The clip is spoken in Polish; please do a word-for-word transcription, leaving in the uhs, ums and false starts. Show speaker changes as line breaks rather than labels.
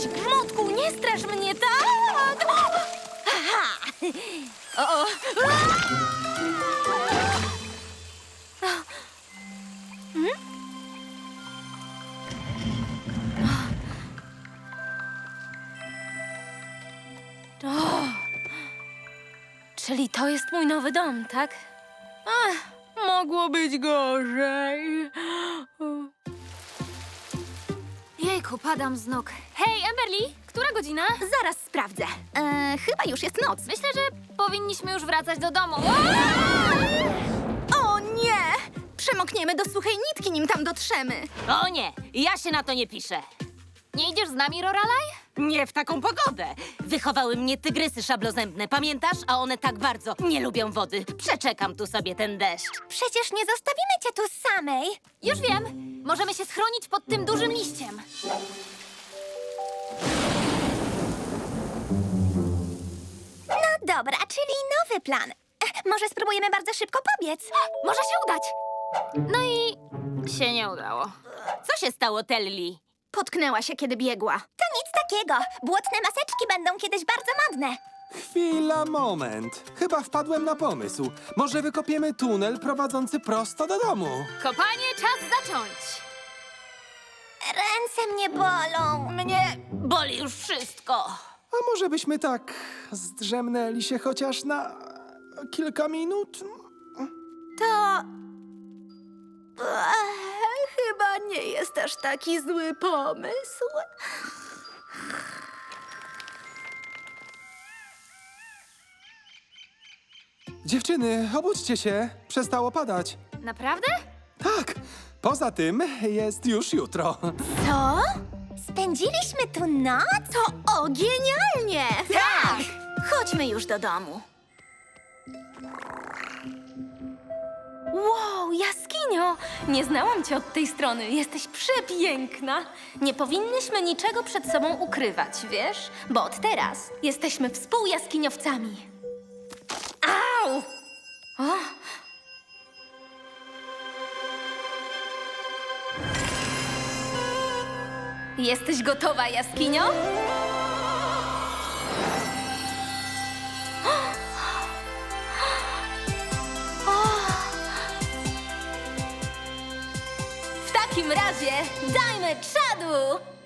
Jesteś gmotku, nie strasz mnie tak! Aha! O, o. Hmm? O. Czyli to jest mój nowy dom, tak? Ach, mogło być gorzej. Jejku, padam z nóg. Hej, Emberly, która godzina?
Zaraz sprawdzę. E, chyba już jest noc.
Myślę, że powinniśmy już wracać do domu.
O nie! Przemokniemy do suchej nitki, nim tam dotrzemy.
O nie, ja się na to nie piszę.
Nie idziesz z nami, Lorelai?
Nie w taką pogodę. Wychowały mnie tygrysy szablozębne, pamiętasz? A one tak bardzo nie lubią wody. Przeczekam tu sobie ten deszcz.
Przecież nie zostawimy cię tu samej.
Już wiem. Możemy się schronić pod tym dużym liściem.
No dobra, czyli nowy plan. E, może spróbujemy bardzo szybko pobiec?
Może się udać. No i się nie udało.
Co się stało, Telly?
Potknęła się, kiedy biegła. To nic takiego. Błotne maseczki będą kiedyś bardzo modne.
Chwila, moment. Chyba wpadłem na pomysł. Może wykopiemy tunel prowadzący prosto do domu.
Kopanie, czas zacząć.
Ręce mnie bolą.
Mnie boli już wszystko.
A może byśmy tak zdrzemnęli się chociaż na kilka minut?
To... Ech, chyba nie jest aż taki zły pomysł.
Dziewczyny, obudźcie się. Przestało padać.
Naprawdę?
Tak, poza tym jest już jutro.
Co? Spędziliśmy tu noc? To o, genialnie! Tak! Chodźmy już do domu.
Wow, jaskinio! Nie znałam cię od tej strony. Jesteś przepiękna. Nie powinnyśmy niczego przed sobą ukrywać, wiesz? Bo od teraz jesteśmy współjaskiniowcami. Au! O! Jesteś gotowa, jaskinio? W takim razie dajmy czadu!